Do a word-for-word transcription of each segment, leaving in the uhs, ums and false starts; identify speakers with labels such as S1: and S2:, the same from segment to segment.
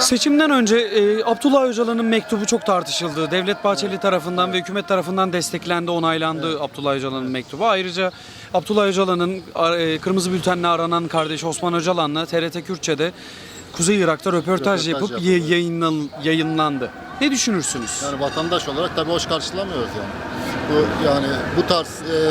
S1: Seçimden önce e, Abdullah Öcalan'ın mektubu çok tartışıldı. Devlet Bahçeli tarafından ve hükümet tarafından desteklendi, onaylandı evet. Abdullah Öcalan'ın mektubu. Ayrıca Abdullah Öcalan'ın e, kırmızı bültenle aranan kardeşi Osman Öcalan'la T R T Kürtçe'de Kuzey Irak'ta röportaj, röportaj yapıp ye, yayınlan, yayınlandı. Ne düşünürsünüz?
S2: Yani vatandaş olarak tabii hoş karşılamıyoruz yani. Bu yani bu tarz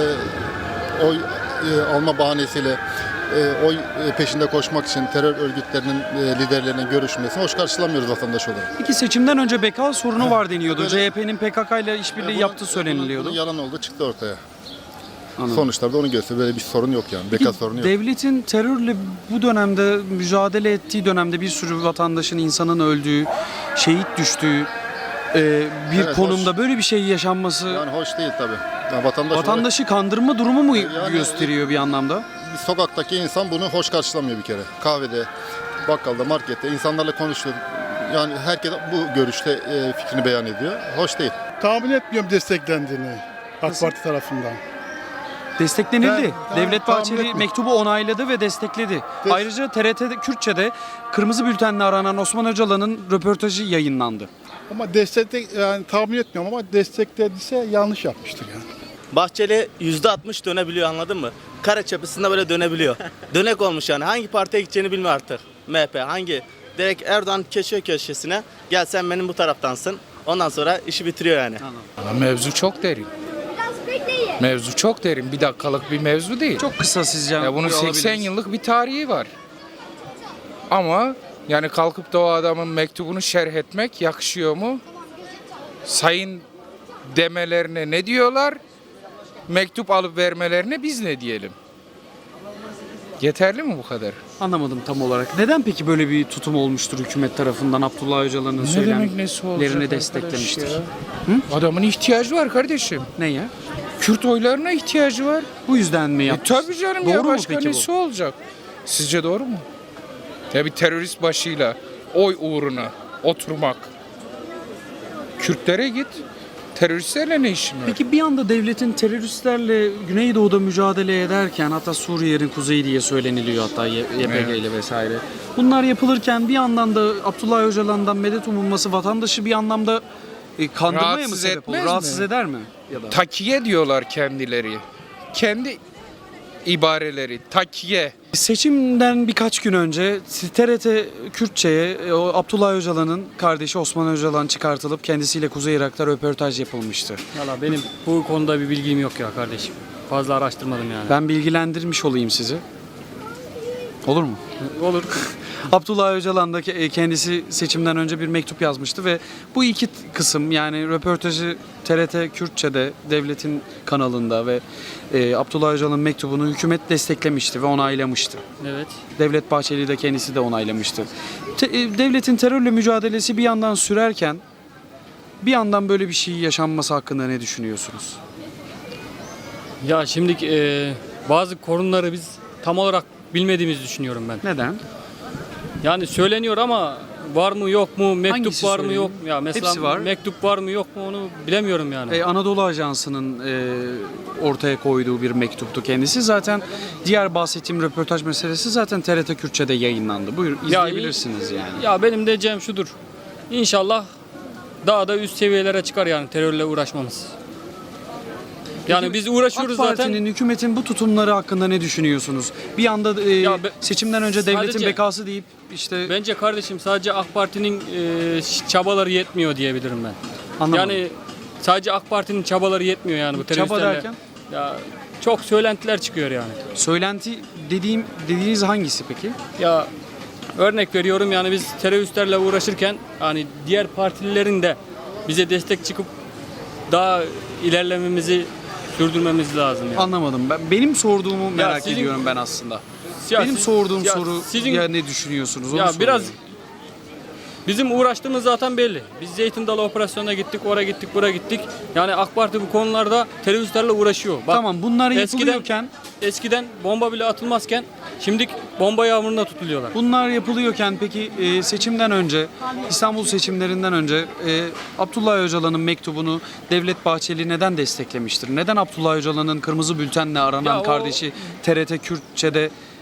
S2: e, oy e, alma bahanesiyle e, oy peşinde koşmak için terör örgütlerinin e, liderlerinin görüşmesini hoş karşılamıyoruz vatandaş olarak.
S1: Peki seçimden önce beka sorunu var deniyordu. C H P'nin P K K ile işbirliği e, yaptığı söyleniliyordu.
S2: Bunun yalan oldu, çıktı ortaya.
S1: Anladım.
S2: Sonuçlarda onu gösteriyor. Böyle bir sorun yok yani. Beka sorunu yok.
S1: Devletin terörle bu dönemde mücadele ettiği dönemde bir sürü vatandaşın, insanın öldüğü, şehit düştüğü e, bir evet, konumda hoş. Böyle bir şey yaşanması
S2: yani hoş değil tabii. Yani vatandaş
S1: vatandaşı olarak, kandırma durumu mu yani, gösteriyor bir anlamda?
S2: Bir sokaktaki insan bunu hoş karşılamıyor bir kere. Kahvede, bakkalda, markette insanlarla konuşuyor. Yani herkes bu görüşte e, fikrini beyan ediyor. Hoş değil.
S3: Tahmin etmiyorum desteklendiğini AK Parti tarafından.
S1: Desteklenildi.
S3: Ben,
S1: Devlet Bahçeli mektubu onayladı ve destekledi. Des Ayrıca T R T Kürtçe'de kırmızı bültenle aranan Osman Öcalan'ın röportajı yayınlandı.
S3: Ama destekle yani tahmin etmiyorum ama desteklediyse yanlış yapmıştır yani.
S4: Bahçeli yüzde altmış dönebiliyor, anladın mı? Kare çapısında böyle dönebiliyor. Dönek olmuş yani. Hangi partiye gideceğini bilmiyor artık. M H P hangi? Direkt Erdoğan köşe köşesine gel sen benim bu taraftansın. Ondan sonra işi bitiriyor yani.
S5: Anladım. Mevzu çok derin. Mevzu çok derin. Bir dakikalık bir mevzu değil.
S1: Çok kısa sizce.
S5: Ya bunun seksen yıllık bir tarihi var. Ama yani kalkıp da o adamın mektubunu şerh etmek yakışıyor mu? Sayın demelerine ne diyorlar? Mektup alıp vermelerine biz ne diyelim? Yeterli mi bu kadar?
S1: Anlamadım tam olarak. Neden peki böyle bir tutum olmuştur hükümet tarafından? Abdullah Öcalan'ın söylemlerini desteklemiştir.
S5: Adamın ihtiyacı var kardeşim.
S1: Neye?
S5: Kürt oylarına ihtiyacı var.
S1: Bu yüzden mi yapmış?
S5: E, tabii canım doğru ya, başka nesi olacak? Sizce doğru mu? Ya bir terörist başıyla oy uğruna oturmak. Kürtlere git. Teröristlerle ne işin var?
S1: Peki bir anda devletin teröristlerle Güneydoğu'da mücadele ederken, hatta Suriye'nin kuzeyi diye söyleniliyor, hatta Y P G evet. ile vesaire. Bunlar yapılırken bir yandan da Abdullah Öcalan'dan medet umulması vatandaşı bir anlamda e, kandırmaya
S5: rahatsız
S1: mı sebep olur? Rahatsız
S5: mi?
S1: eder mi? Ya da?
S5: Takiye diyorlar kendileri. Kendi ibareleri takiye.
S1: Seçimden birkaç gün önce T R T Kürtçe'ye o Abdullah Öcalan'ın kardeşi Osman Öcalan çıkartılıp kendisiyle Kuzey Irak'ta röportaj yapılmıştı.
S6: Valla benim bu konuda bir bilgim yok ya kardeşim. Fazla araştırmadım yani.
S1: Ben bilgilendirmiş olayım sizi. Olur mu?
S6: Olur.
S1: Abdullah Öcalan da kendisi seçimden önce bir mektup yazmıştı ve bu iki kısım, yani röportajı T R T Kürtçe'de devletin kanalında ve e, Abdullah Öcalan'ın mektubunu hükümet desteklemişti ve onaylamıştı.
S6: Evet.
S1: Devlet Bahçeli de kendisi de onaylamıştı. Te, e, devletin terörle mücadelesi bir yandan sürerken bir yandan böyle bir şey yaşanması hakkında ne düşünüyorsunuz?
S6: Ya şimdi e, bazı konuları biz tam olarak bilmediğimizi düşünüyorum ben.
S1: Neden?
S6: Yani söyleniyor ama var mı yok mu, mektup
S1: Hangisi
S6: var
S1: söyleniyor?
S6: mı yok mu? Ya mesela
S1: Hepsi var.
S6: mektup var mı yok mu onu bilemiyorum yani.
S1: Ee, Anadolu Ajansı'nın e, ortaya koyduğu bir mektuptu kendisi. Zaten diğer bahsettiğim röportaj meselesi zaten T R T Kürtçe'de yayınlandı. Buyur izleyebilirsiniz
S6: ya,
S1: yani.
S6: Ya benim de diyeceğim şudur. İnşallah daha da üst seviyelere çıkar yani terörle uğraşmamız. Yani
S1: Peki,
S6: biz uğraşıyoruz
S1: AK Parti'nin,
S6: zaten.
S1: hükümetin bu tutumları hakkında ne düşünüyorsunuz? Bir anda e,
S6: Ya be,
S1: seçimden önce devletin
S6: sadece,
S1: bekası deyip işte...
S6: Bence kardeşim sadece AK Parti'nin e, çabaları yetmiyor diyebilirim ben.
S1: Anlamadım.
S6: Yani sadece AK Parti'nin çabaları yetmiyor yani bu teröristlerle.
S1: Çaba derken?
S6: Ya çok söylentiler çıkıyor yani.
S1: Söylenti dediğim dediğiniz hangisi peki?
S6: Ya örnek veriyorum yani biz teröristlerle uğraşırken hani diğer partililerin de bize destek çıkıp daha ilerlememizi sürdürmemiz lazım yani.
S1: Anlamadım. Ben benim sorduğumu merak
S6: sizin,
S1: ediyorum ben aslında.
S6: Ya
S1: benim
S6: siz,
S1: sorduğum
S6: ya
S1: soru
S6: sizin,
S1: ya ne düşünüyorsunuz? Onu
S6: ya
S1: soruyorum.
S6: biraz bizim uğraştığımız zaten belli. Biz Zeytin Dalı operasyonuna gittik, oraya gittik, buraya gittik. Yani AK Parti bu konularda teröristlerle uğraşıyor. Bak,
S1: tamam, bunlar
S6: eskiden,
S1: yapılıyorken
S6: eskiden bomba bile atılmazken şimdi bomba yağmuruna tutuluyorlar.
S1: Bunlar yapılıyorken peki e, seçimden önce, İstanbul seçimlerinden önce e, Abdullah Öcalan'ın mektubunu Devlet Bahçeli neden desteklemiştir? Neden Abdullah Öcalan'ın kırmızı bültenle aranan
S6: Ya o,
S1: kardeşi T R T Kürtçe'de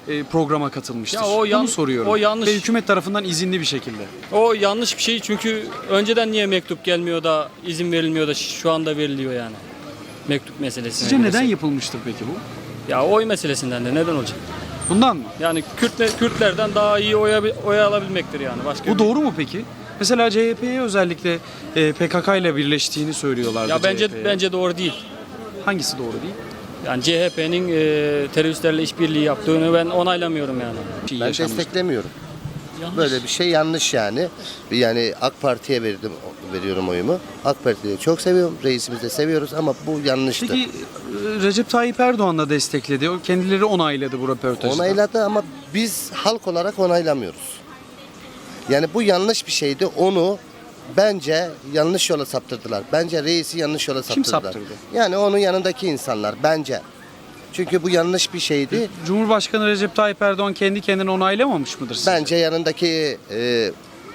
S1: e, programa katılmıştır?
S6: Ya o yan-
S1: Bunu soruyorum.
S6: o yanlış.
S1: Ve hükümet tarafından izinli bir şekilde.
S6: O yanlış bir şey çünkü önceden niye mektup gelmiyor da izin verilmiyor da şu anda veriliyor yani. Mektup meselesi.
S1: Sizce neden yapılmıştır peki bu?
S6: Ya oy meselesinden de neden olacak?
S1: Bundan mı?
S6: Yani Kürtle, Kürtlerden daha iyi oya, oy alabilmektir yani. Başka
S1: Bu
S6: bir-
S1: doğru mu peki? Mesela C H P'ye özellikle e, P K K ile birleştiğini söylüyorlardı.
S6: Ya bence
S1: C H P'ye.
S6: bence doğru değil.
S1: Hangisi doğru değil?
S6: Yani C H P'nin e, teröristlerle işbirliği yaptığını ben onaylamıyorum yani.
S1: Şey
S7: Ben
S1: yaşanmış.
S7: desteklemiyorum. Böyle bir şey yanlış yani. Yani AK Parti'ye verdim veriyorum oyumu. AK Parti'yi çok seviyorum. Reisimizi de seviyoruz ama bu yanlıştı.
S1: Peki e, Recep Tayyip Erdoğan da destekledi. O kendileri onayladı bu röportajda.
S7: Onayladı ama biz halk olarak onaylamıyoruz. Yani bu yanlış bir şeydi. Onu bence yanlış yola saptırdılar. Bence reisi yanlış yola
S1: Kim
S7: saptırdılar.
S1: saptırdı?
S7: Yani onun yanındaki insanlar bence. Çünkü bu yanlış bir şeydi.
S1: Cumhurbaşkanı Recep Tayyip Erdoğan kendi kendine onaylamamış mıdır sizce?
S7: Bence yanındaki e,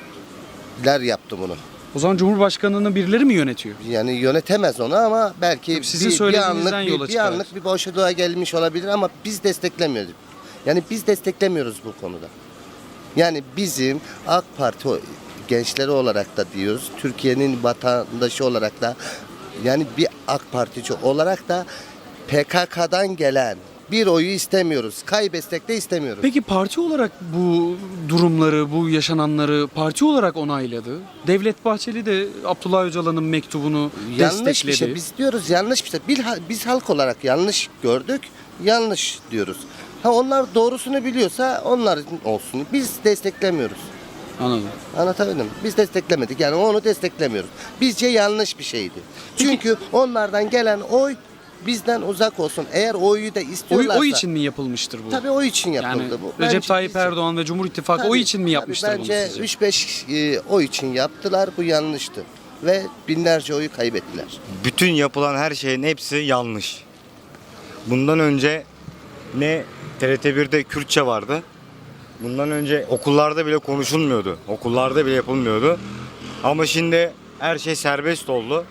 S7: ler yaptı bunu.
S1: O zaman Cumhurbaşkanını birileri mi yönetiyor?
S7: Yani yönetemez onu ama belki
S1: Sizin
S7: bir, bir
S1: söylediğinizden
S7: anlık
S1: yola
S7: bir, bir
S1: çıkarak.
S7: anlık bir boşluğa gelmiş olabilir ama biz desteklemiyoruz. Yani biz desteklemiyoruz bu konuda. Yani bizim AK Parti o- gençleri olarak da diyoruz, Türkiye'nin vatandaşı olarak da yani bir AK Partici olarak da P K K'dan gelen bir oyu istemiyoruz. Kaybetsek de istemiyoruz.
S1: Peki parti olarak bu durumları, bu yaşananları parti olarak onayladı. Devlet Bahçeli de Abdullah Öcalan'ın mektubunu
S7: Yanlış
S1: destekledi.
S7: bir şey. Biz diyoruz yanlış bir şey. Biz, biz halk olarak yanlış gördük. Yanlış diyoruz. Ha onlar doğrusunu biliyorsa onlar olsun. Biz desteklemiyoruz.
S1: Anladım.
S7: Anlatabildim mi? Biz desteklemedik. Yani onu desteklemiyoruz. Bizce yanlış bir şeydi. Çünkü onlardan gelen oy bizden uzak olsun. Eğer oyu da
S1: Oy,
S7: istiyorlarsa.
S1: oy için mi yapılmıştır bu?
S7: Tabii o için
S1: yani
S7: yapıldı bu.
S1: Recep
S7: Bence
S1: Tayyip
S7: bizce-
S1: Erdoğan ve Cumhur İttifakı
S7: Tabii,
S1: oy için mi
S7: tabii
S1: yapmıştır bunu
S7: bence
S1: sizce?
S7: üç beş e, oy için yaptılar. Bu yanlıştı. Ve binlerce oyu kaybettiler.
S8: Bütün yapılan her şeyin hepsi yanlış. Bundan önce ne T R T bir'de Kürtçe vardı. Bundan önce okullarda bile konuşulmuyordu. Okullarda bile yapılmıyordu. Ama şimdi her şey serbest oldu.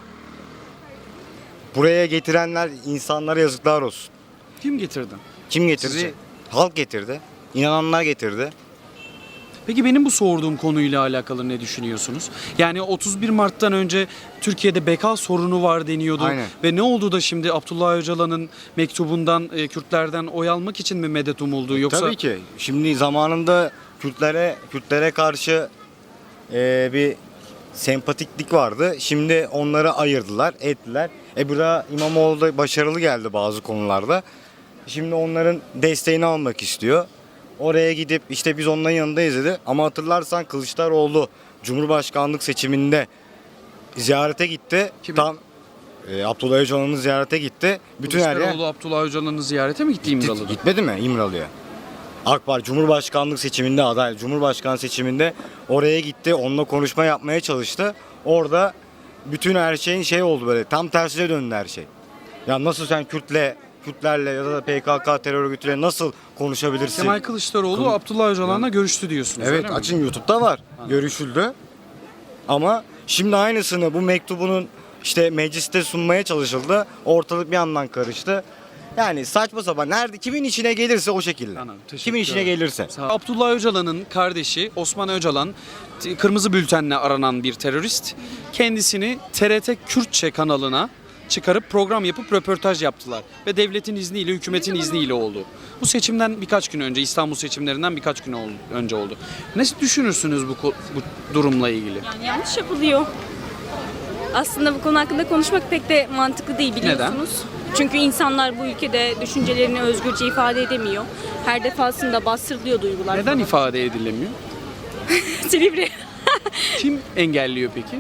S8: Buraya getirenler insanlara yazıklar olsun.
S1: Kim getirdi?
S8: Kim getirdi?
S1: Sizce?
S8: Halk getirdi. İnananlar getirdi.
S1: Peki benim bu sorduğum konuyla alakalı ne düşünüyorsunuz? Yani otuz bir Mart'tan önce Türkiye'de beka sorunu var deniyordu.
S8: Aynen.
S1: Ve ne oldu da şimdi Abdullah Öcalan'ın mektubundan, e, Kürtlerden oy almak için mi medet umuldu? Yoksa
S8: Tabii ki. Şimdi zamanında Kürtlere Kürtlere karşı e, bir sempatiklik vardı. Şimdi onları ayırdılar, ettiler. E burada İmamoğlu da başarılı geldi bazı konularda. Şimdi onların desteğini almak istiyor. Oraya gidip işte biz onların yanındayız dedi. Ama hatırlarsan Kılıçdaroğlu Cumhurbaşkanlık seçiminde ziyarete gitti.
S1: Kimi?
S8: Tam e, Abdullah Öcalan'ın ziyarete gitti. Bütün her yer
S1: Kılıçdaroğlu Abdullah Öcalan'ı ziyarete mi gitti İmralı'da?
S8: gitmedi mi İmralı'ya? AK Parti Cumhurbaşkanlık seçiminde aday Cumhurbaşkanı seçiminde oraya gitti. Onunla konuşma yapmaya çalıştı. Orada bütün her şeyin şey oldu böyle. Tam tersine döndü her şey. Ya nasıl sen Kürtle Kürtlerle ya da P K K terör örgütüyle nasıl konuşabilirsin?
S1: Kemal Kılıçdaroğlu
S8: Kıl-
S1: Abdullah Öcalan'la görüştü diyorsunuz.
S8: Evet
S1: öyle mi?
S8: açın YouTube'da var. Görüşüldü. Ama şimdi aynısını bu mektubunun işte mecliste sunmaya çalışıldı. Ortalık bir yandan karıştı. Yani saçma sapan nerede kimin içine gelirse o şekilde.
S1: Anladım, teşekkür
S8: Kimin içine
S1: ederim.
S8: gelirse.
S1: Sağ ol. Abdullah Öcalan'ın kardeşi Osman Öcalan t- kırmızı bültenle aranan bir terörist. Kendisini T R T Kürtçe kanalına çıkarıp program yapıp röportaj yaptılar. Ve devletin izniyle, hükümetin izniyle oldu. Bu seçimden birkaç gün önce, İstanbul seçimlerinden birkaç gün oldu, önce oldu. Ne düşünürsünüz bu, ko- bu durumla ilgili?
S9: Yani yanlış yapılıyor. Aslında bu konu hakkında konuşmak pek de mantıklı değil biliyorsunuz. Çünkü insanlar bu ülkede düşüncelerini özgürce ifade edemiyor. Her defasında bastırılıyor duygular.
S1: Neden ifade edilemiyor?
S9: Silivri.
S1: Kim engelliyor peki?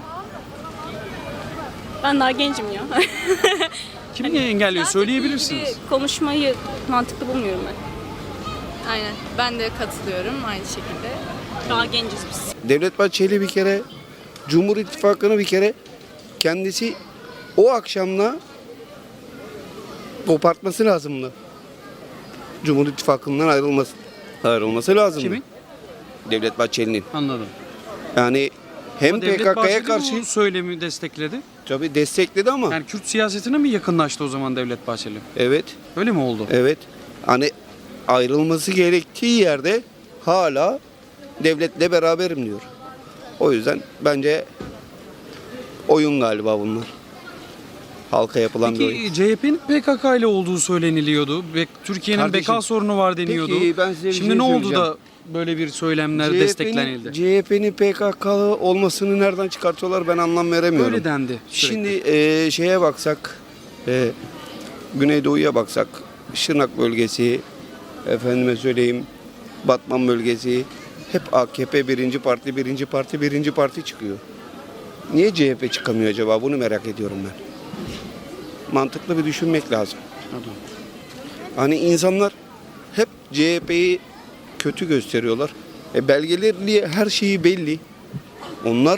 S9: Ben daha gencim ya.
S1: Kim engelliyor? Söyleyebilirsiniz.
S9: Gibi konuşmayı mantıklı bulmuyorum ben.
S10: Aynen. Ben de katılıyorum aynı şekilde.
S9: Daha genciz biz.
S11: Devlet Bahçeli bir kere Cumhur İttifakı'nı bir kere kendisi o akşamla kopartması lazımdı. Cumhur İttifakı'ndan ayrılması ayrılması lazımdı.
S1: Kimin?
S11: Devlet Bahçeli'nin.
S1: Anladım.
S11: Yani hem
S1: Ama Devlet
S11: P K K'ya
S1: Bahçeli
S11: karşı
S1: bu söylemi destekledi.
S11: tabii destekledi ama
S1: Yani Kürt siyasetine mi yakınlaştı o zaman Devlet Bahçeli?
S11: evet
S1: Öyle mi oldu?
S11: evet hani ayrılması gerektiği yerde hala devletle beraberim diyor. O yüzden bence oyun galiba bunlar. Halka yapılan bir oyun.
S1: Peki C H P'nin P K K ile olduğu söyleniliyordu. Ve Türkiye'nin
S11: Kardeşim,
S1: beka sorunu var deniyordu.
S11: peki ben size bir
S1: Şimdi
S11: şey
S1: ne oldu
S11: söyleyeceğim.
S1: da böyle bir söylemler
S11: C H P'nin
S1: desteklenildi?
S11: C H P'nin P K K'lı olmasını nereden çıkartıyorlar ben anlam veremiyorum.
S1: Öyle dendi sürekli.
S11: Şimdi e, şeye baksak, e, Güneydoğu'ya baksak, Şırnak bölgesi, efendime söyleyeyim, Batman bölgesi, hep A K P birinci parti, birinci parti, birinci parti çıkıyor. Niye C H P çıkamıyor acaba? Bunu merak ediyorum ben. Mantıklı bir düşünmek lazım. Hani insanlar hep C H P'yi kötü gösteriyorlar. E belgelerli her şeyi belli. Onlar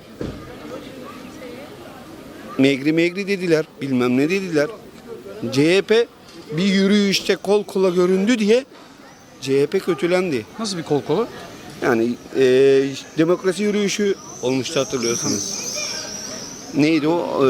S11: megri megri dediler, bilmem ne dediler. C H P bir yürüyüşte kol kola göründü diye C H P kötülendi.
S1: Nasıl bir kol kola?
S11: Yani e, demokrasi yürüyüşü olmuştu hatırlıyorsunuz. Neydi o? E,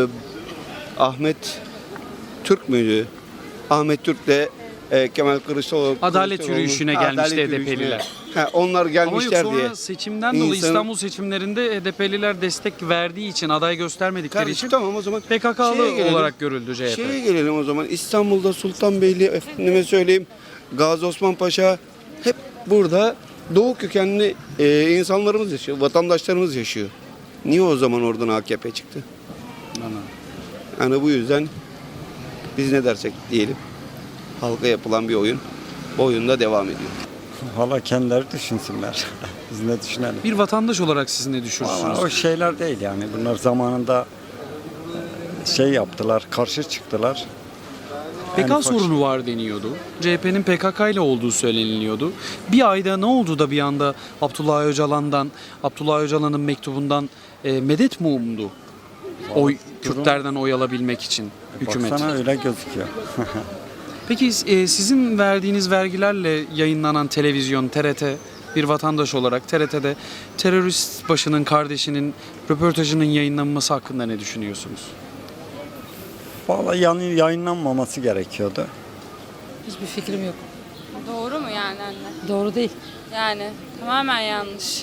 S11: Ahmet Türk müydü? Ahmet Türk'le e, Kemal Kılıçdaroğlu.
S1: Adalet
S11: Kılıçdaroğlu-
S1: yürüyüşüne
S11: Ha,
S1: gelmişti
S11: adalet
S1: H D P'liler.
S11: yürüyüşüne. Ha, onlar
S1: Ama yok
S11: gelmişler
S1: sonra
S11: diye.
S1: seçimden dolayı
S11: İnsanın-
S1: İstanbul seçimlerinde H D P'liler destek verdiği için, aday göstermedikleri
S11: Kardeşim
S1: için
S11: tamam o zaman
S1: P K K'lı
S11: şeye gelelim.
S1: olarak görüldü C H P.
S11: Şeye gelelim o zaman. İstanbul'da Sultanbeyli, efendime söyleyeyim, Gazi Osman Paşa hep burada Doğu kökenli e, insanlarımız yaşıyor, vatandaşlarımız yaşıyor. Niye o zaman oradan A K P çıktı?
S1: Anladım.
S11: Yani bu yüzden biz ne dersek diyelim. Halka yapılan bir oyun. Bu oyunda devam ediyor.
S12: Valla kendileri düşünsünler. Biz ne düşünelim?
S1: Bir vatandaş olarak siz ne
S12: Ama
S1: düşünürsünüz?
S12: o şeyler değil yani. Bunlar zamanında e, şey yaptılar, karşı çıktılar.
S1: P K
S12: Yani
S1: sorunu var deniyordu. C H P'nin P K K ile olduğu söyleniliyordu. Bir ayda ne oldu da bir anda Abdullah Öcalan'dan, Abdullah Öcalan'ın mektubundan e, medet mi umdu? Oy, Kürtlerden oy alabilmek için hükümet.
S12: Baksana öyle gözüküyor.
S1: Peki e, sizin verdiğiniz vergilerle yayınlanan televizyon, T R T, bir vatandaş olarak T R T'de terörist başının kardeşinin röportajının yayınlanması hakkında ne düşünüyorsunuz?
S12: Valla yani yayınlanmaması gerekiyordu.
S10: Hiçbir fikrim yok.
S9: Doğru mu yani anne?
S10: Doğru değil.
S9: Yani tamamen yanlış.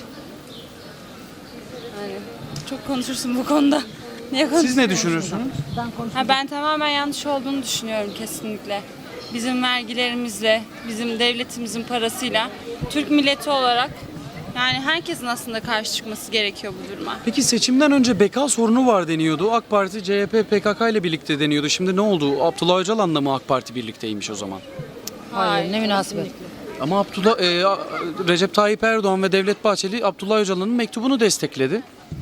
S9: Yani çok konuşursun bu konuda. Niye
S1: Siz
S9: konuşuyorsun?
S1: ne düşünürsünüz?
S9: Ha, ben tamamen yanlış olduğunu düşünüyorum kesinlikle. Bizim vergilerimizle, bizim devletimizin parasıyla Türk milleti olarak yani herkesin aslında karşı çıkması gerekiyor bu duruma.
S1: Peki seçimden önce beka sorunu var deniyordu. AK Parti, C H P, P K K ile birlikte deniyordu. Şimdi ne oldu? Abdullah Öcalan'la mı AK Parti birlikteymiş o zaman?
S10: Hayır, ne münasebet.
S1: Ama Abdullah, e, Recep Tayyip Erdoğan ve Devlet Bahçeli Abdullah Öcalan'ın mektubunu destekledi.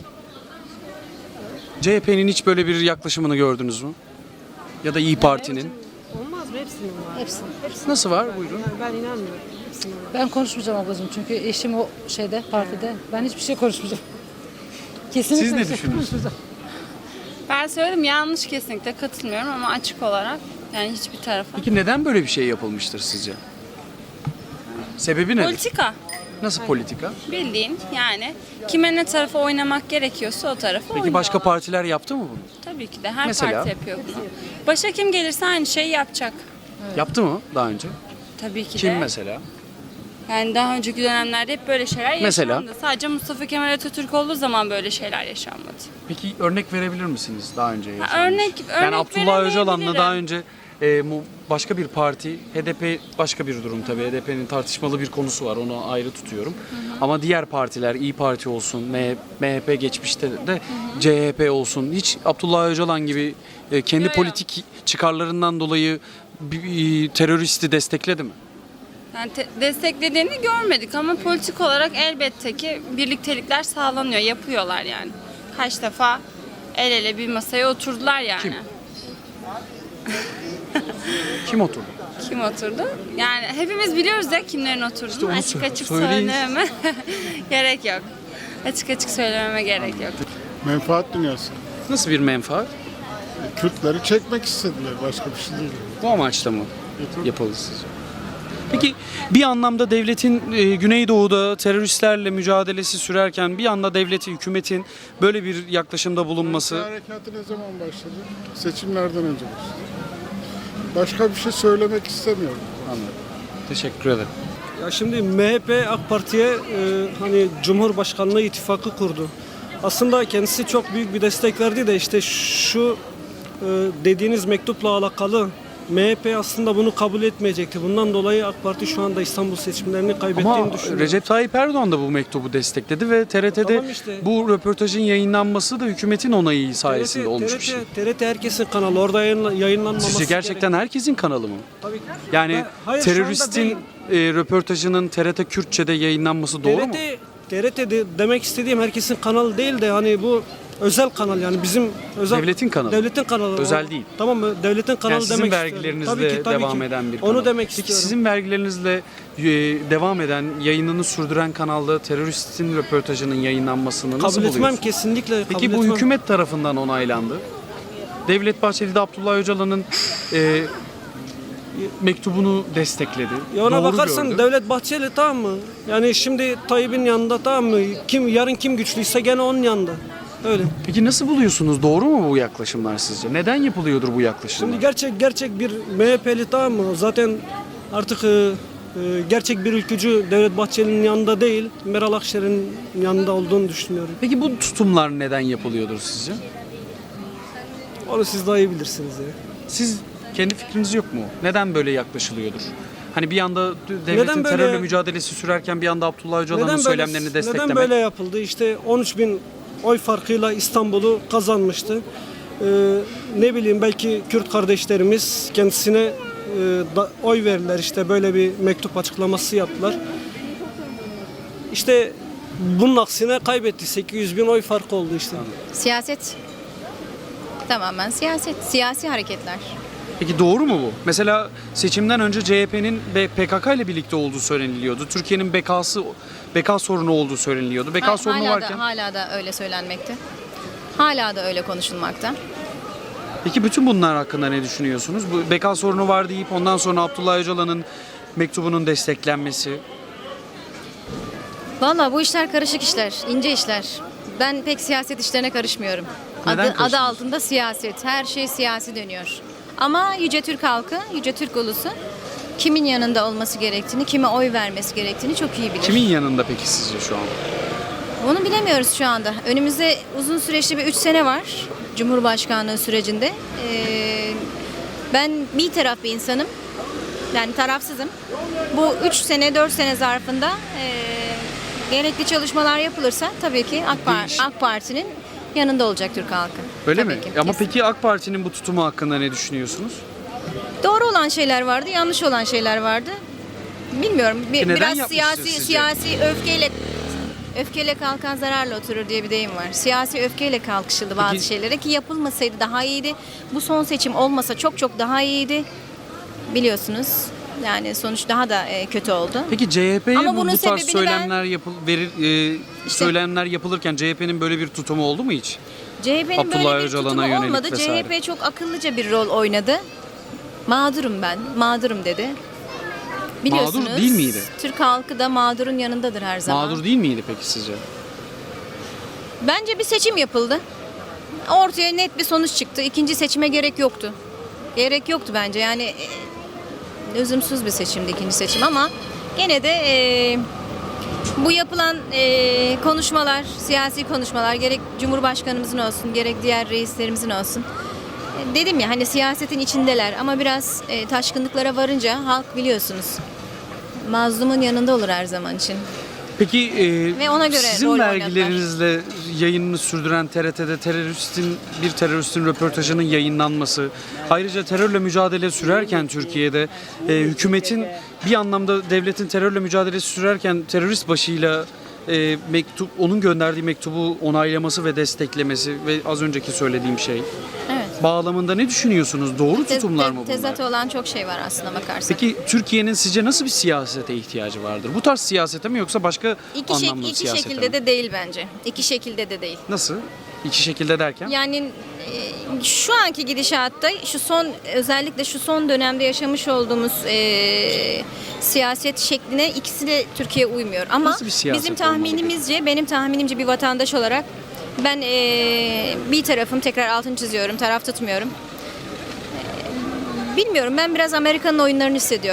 S1: C H P'nin hiç böyle bir yaklaşımını gördünüz mü? Ya da İyi Parti'nin.
S10: Olmaz mı? Hepsinin var. Hepsinin. Hepsinin.
S1: Nasıl var? Buyurun.
S10: Ben inanmıyorum. Ben konuşmayacağım ablacığım çünkü eşim o şeyde partide. Ben hiçbir şey konuşmayacağım. Kesinlikle
S1: Siz ne
S10: bir şey
S1: düşünüyorsunuz?
S10: konuşmayacağım.
S9: Ben söyledim yanlış, kesinlikle katılmıyorum ama açık olarak yani hiçbir tarafa.
S1: Peki neden böyle bir şey yapılmıştır sizce? Sebebi nedir?
S9: Politika
S1: Nasıl politika?
S9: bildiğin yani kime ne tarafa oynamak gerekiyorsa o tarafa
S1: Peki
S9: oynuyorlar.
S1: başka partiler yaptı mı bunu?
S9: Tabii ki de her
S1: Mesela?
S9: parti yapıyor bunu. Başa kim gelirse aynı şeyi yapacak.
S1: Yaptı mı daha önce?
S9: Tabii ki
S1: Kim
S9: de.
S1: mesela?
S9: Yani daha önceki dönemlerde hep böyle şeyler
S1: Mesela?
S9: yaşandı. Sadece Mustafa Kemal Atatürk olduğu zaman böyle şeyler yaşanmadı.
S1: Peki örnek verebilir misiniz daha önce yaşanmış?
S9: örnek-
S1: Yani
S9: örnek
S1: Abdullah Öcalan'la
S9: veremeyebilirim.
S1: daha önce e, mu- başka bir parti, H D P başka bir durum tabii. H D P'nin tartışmalı bir konusu var, onu ayrı tutuyorum. Ama diğer partiler, İyi Parti olsun, M H P geçmişte de C H P olsun, hiç Abdullah Öcalan gibi e, kendi
S9: Yo, yo.
S1: politik çıkarlarından dolayı bir, bir teröristi destekledi mi?
S9: Yani te- desteklediğini görmedik ama politik olarak elbette ki birliktelikler sağlanıyor, yapıyorlar yani. Kaç defa el ele bir masaya oturdular yani.
S1: Kim? Kim oturdu?
S9: Kim oturdu? Yani hepimiz biliyoruz ya kimlerin oturduğunu.
S1: İşte onu
S9: açık
S1: sö-
S9: açık
S1: söyleyin.
S9: söylememe gerek yok. Açık açık söylememe gerek yok.
S3: Menfaat dünyası.
S1: Nasıl bir menfaat?
S3: Kürtleri çekmek istediler. Başka bir şey değil.
S1: Bu amaçla mı yapıldı sizce? Peki bir anlamda devletin e, Güneydoğu'da teröristlerle mücadelesi sürerken bir anda devletin, hükümetin böyle bir yaklaşımda bulunması...
S3: Harekatı ne zaman başladı? Seçimlerden önce başladı. Başka bir şey söylemek istemiyorum.
S1: Anladım. Teşekkür ederim.
S13: Ya şimdi M H P AK Parti'ye e, hani Cumhurbaşkanlığı ittifakı kurdu. Aslında kendisi çok büyük bir destek verdi de işte şu e, dediğiniz mektupla alakalı M H P aslında bunu kabul etmeyecekti. Bundan dolayı AK Parti şu anda İstanbul seçimlerini kaybettiğini
S1: Ama
S13: düşünüyorum.
S1: Recep Tayyip Erdoğan da bu mektubu destekledi ve T R T'de
S13: Tamam işte.
S1: bu röportajın yayınlanması da hükümetin onayı sayesinde
S13: T R T,
S1: olmuş bir şey.
S13: T R T herkesin kanalı. Orada yayınla- yayınlanmaması
S1: Sizce gerçekten
S13: gerek-
S1: herkesin kanalı mı?
S13: Tabii ki.
S1: Yani
S13: Ben- hayır, şu anda
S1: teröristin
S13: değil.
S1: e, röportajının T R T Kürtçe'de yayınlanması doğru mu?
S13: T R T, T R T'de demek istediğim herkesin kanalı değil de hani bu özel kanal yani bizim özel
S1: Devletin kanalı.
S13: Devletin kanalı.
S1: Özel
S13: O-
S1: değil.
S13: Tamam mı? Devletin kanalı
S1: Yani sizin
S13: demek
S1: vergilerinizle
S13: istiyorum. Tabii ki, tabii
S1: devam
S13: ki.
S1: eden bir kanal.
S13: Onu demek
S1: Peki
S13: istiyorum.
S1: sizin vergilerinizle e, devam eden, yayınını sürdüren kanalda teröristin röportajının yayınlanmasını nasıl
S13: kabul etmem
S1: buluyorsunuz?
S13: kesinlikle
S1: Peki
S13: kabul
S1: bu
S13: etmem.
S1: hükümet tarafından onaylandı. Devlet Bahçeli de Abdullah Öcalan'ın e, mektubunu destekledi.
S13: Ya ona
S1: Doğru
S13: bakarsan
S1: gördü.
S13: Devlet Bahçeli tamam mı? Yani şimdi Tayyip'in yanında tamam mı? Kim yarın kim güçlüyse gene onun yanında. Öyle.
S1: Peki nasıl buluyorsunuz? Doğru mu bu yaklaşımlar sizce? Neden yapılıyordur bu yaklaşımlar?
S13: Şimdi gerçek gerçek bir M H P'li tamam mı? Zaten artık e, e, gerçek bir ülkücü Devlet Bahçeli'nin yanında değil, Meral Akşener'in yanında olduğunu düşünüyorum.
S1: Peki bu tutumlar neden yapılıyordur sizce?
S13: Onu siz daha iyi bilirsiniz ya.
S1: Siz kendi fikriniz yok mu? Neden böyle yaklaşılıyordur? Hani bir yanda devletin
S13: Neden böyle-
S1: terörle mücadelesi sürerken bir yanda Abdullah Öcalan'ın söylemlerini desteklemek.
S13: Neden böyle yapıldı? İşte on üç bin oy farkıyla İstanbul'u kazanmıştı. Ee, ne bileyim belki Kürt kardeşlerimiz kendisine e, da, oy verdiler. İşte böyle bir mektup açıklaması yaptılar. İşte bunun aksine kaybetti. sekiz yüz bin oy farkı oldu işte.
S14: Siyaset. Tamamen siyaset. Siyasi hareketler.
S1: Peki doğru mu bu? Mesela seçimden önce C H P'nin P K K ile birlikte olduğu söyleniliyordu. Türkiye'nin bekası beka sorunu olduğu söyleniliyordu. Beka
S14: Ha-
S1: sorunu
S14: hala
S1: varken.
S14: da hala da öyle söylenmekte. Hala da öyle konuşulmakta.
S1: Peki bütün bunlar hakkında ne düşünüyorsunuz? Bu beka sorunu var deyip ondan sonra Abdullah Öcalan'ın mektubunun desteklenmesi.
S14: Vallahi bu işler karışık işler, ince işler. Ben pek siyaset işlerine karışmıyorum.
S1: Neden
S14: Adı, adı
S1: karışmıyorsun?
S14: altında siyaset. Her şey siyasi dönüyor. Ama Yüce Türk halkı, Yüce Türk ulusu kimin yanında olması gerektiğini, kime oy vermesi gerektiğini çok iyi bilir.
S1: Kimin yanında peki sizce şu an?
S14: Bunu bilemiyoruz şu anda. Önümüzde uzun süreçli bir üç sene var Cumhurbaşkanlığı sürecinde. Ee, ben bir taraf bir insanım. Yani tarafsızım. Bu üç sene, dört sene zarfında e, gerekli çalışmalar yapılırsa tabii ki AK, Par-
S1: Değiş-
S14: AK Parti'nin yanında olacak Türk halkı.
S1: Öyle
S14: Tabii
S1: mi?
S14: ki,
S1: Ama
S14: kesin.
S1: peki AK Parti'nin bu tutumu hakkında ne düşünüyorsunuz?
S14: Doğru olan şeyler vardı, yanlış olan şeyler vardı. Bilmiyorum. Bir,
S1: Peki neden
S14: biraz
S1: yapmıştır
S14: siyasi
S1: sizce?
S14: siyasi öfkeyle öfkeyle kalkan zararla oturur diye bir deyim var. Siyasi öfkeyle kalkışıldı bazı
S1: Peki-
S14: şeylere ki yapılmasaydı daha iyiydi. Bu son seçim olmasa çok çok daha iyiydi. Biliyorsunuz. Yani sonuç daha da e, kötü oldu.
S1: Peki C H P'ye
S14: Ama
S1: bu,
S14: bunun
S1: bu tarz
S14: sebebini
S1: söylemler yapıl verir e,
S14: İşte-
S1: söylemler yapılırken C H P'nin böyle bir tutumu oldu mu hiç?
S14: C H P'nin
S1: Abdullah
S14: böyle bir
S1: Öcalan'a
S14: tutumu
S1: yönelik
S14: olmadı.
S1: vesaire.
S14: C H P çok akıllıca bir rol oynadı. Mağdurum ben, mağdurum dedi. Biliyorsunuz.
S1: Mağdur değil miydi?
S14: Türk halkı da mağdurun yanındadır her zaman.
S1: Mağdur değil miydi peki sizce?
S14: Bence bir seçim yapıldı. Ortaya net bir sonuç çıktı. İkinci seçime gerek yoktu. Gerek yoktu bence. Yani e, lüzumsuz bir seçimdi ikinci seçim ama gene de e, bu yapılan e, konuşmalar, siyasi konuşmalar gerek Cumhurbaşkanımızın olsun gerek diğer reislerimizin olsun. E, dedim ya hani siyasetin içindeler ama biraz e, taşkınlıklara varınca halk biliyorsunuz mazlumun yanında olur her zaman için.
S1: Peki e,
S14: Ve ona göre
S1: sizin
S14: rol oynadılar.
S1: vergilerinizle yayınını sürdüren T R T'de teröristin bir teröristin röportajının yayınlanması, ayrıca terörle mücadele sürerken Türkiye'de e, hükümetin bir anlamda devletin terörle mücadele sürerken terörist başıyla e, mektup onun gönderdiği mektubu onaylaması ve desteklemesi ve az önceki söylediğim şey
S14: Evet.
S1: bağlamında ne düşünüyorsunuz? Doğru
S14: Te-
S1: tutumlar
S14: te-
S1: mı bunlar?
S14: Tezat olan çok şey var aslında bakarsan.
S1: Peki Türkiye'nin sizce nasıl bir siyasete ihtiyacı vardır? Bu tarz siyasete mi yoksa başka
S14: İki, şek-
S1: anlamda
S14: iki
S1: siyasete
S14: şekilde
S1: mi?
S14: de değil bence. İki şekilde de değil.
S1: Nasıl? İki şekilde derken?
S14: Yani e, şu anki gidişatta şu son özellikle şu son dönemde yaşamış olduğumuz e, siyaset şekline ikisi de Türkiye uymuyor. Ama
S1: Nasıl bir siyaset
S14: bizim
S1: olmalı
S14: tahminimizce, benim tahminimce bir vatandaş olarak ben e, bir tarafım tekrar altını çiziyorum, taraf tutmuyorum. E, bilmiyorum ben biraz Amerika'nın oyunlarını hissediyorum.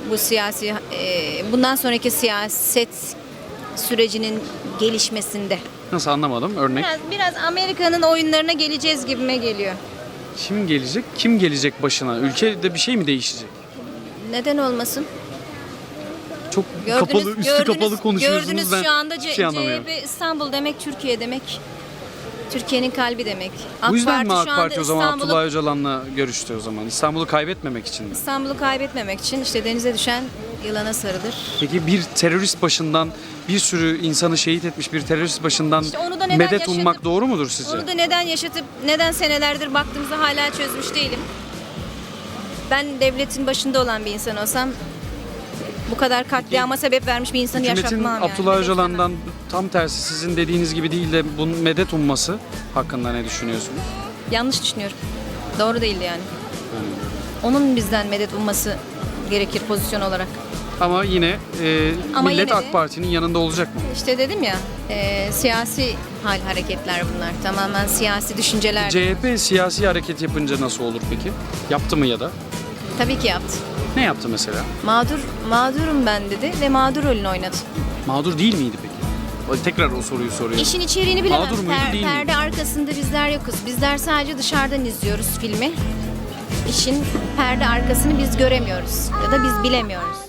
S14: bu siyasi e, bundan sonraki siyaset sürecinin gelişmesinde.
S1: Nasıl, anlamadım, örnek.
S14: Biraz, biraz Amerika'nın oyunlarına geleceğiz gibime geliyor.
S1: Kim gelecek? Kim gelecek başına? Ülkede bir şey mi değişecek?
S14: Neden olmasın?
S1: Çok kapalı, üstü kapalı konuşuyorsunuz.
S14: Gördünüz
S1: Ben
S14: şu anda
S1: hiçbir
S14: C-
S1: şey anlamıyorum.
S14: C H P İstanbul demek Türkiye demek. Türkiye'nin kalbi demek.
S1: Bu yüzden mi AK
S14: şu anda
S1: Parti o zaman
S14: İstanbul'u-
S1: Abdullah Öcalan'la görüştü o zaman? İstanbul'u kaybetmemek için mi?
S14: İstanbul'u kaybetmemek için işte denize düşen yılana sarılır.
S1: Peki bir terörist başından, bir sürü insanı şehit etmiş bir terörist başından
S14: İşte onu da neden
S1: medet
S14: yaşatıp-
S1: ummak doğru mudur sizce?
S14: Onu da neden yaşatıp neden senelerdir baktığımızda hala çözmüş değilim. Ben devletin başında olan bir insan olsam bu kadar katliama sebep vermiş bir insanı
S1: Hükümetin
S14: yaşatmam yani.
S1: Abdullah
S14: Medet
S1: Öcalan'dan tam tersi sizin dediğiniz gibi değil de bunun medet umması hakkında ne düşünüyorsunuz?
S14: istemem. Yanlış düşünüyorum. Doğru değildi yani. Onun bizden medet umması gerekir pozisyon olarak.
S1: Ama yine e,
S14: Ama
S1: millet
S14: yine de-
S1: AK Parti'nin yanında olacak mı?
S14: İşte dedim ya e, siyasi hal hareketler bunlar. Tamamen siyasi düşünceler.
S1: C H P siyasi hareket yapınca nasıl olur peki? Yaptı mı ya da?
S14: Tabii ki yaptı.
S1: Ne yaptı mesela?
S14: Mağdur, mağdurum ben dedi ve mağdur rolünü oynadı.
S1: Mağdur değil miydi peki? O- Tekrar o soruyu soruyorum.
S14: İşin içeriğini bilemem.
S1: Mağdur muydu,
S14: Per-
S1: değil miydi?
S14: perde arkasında bizler yokuz. Bizler sadece dışarıdan izliyoruz filmi. İşin perde arkasını biz göremiyoruz ya da biz bilemiyoruz.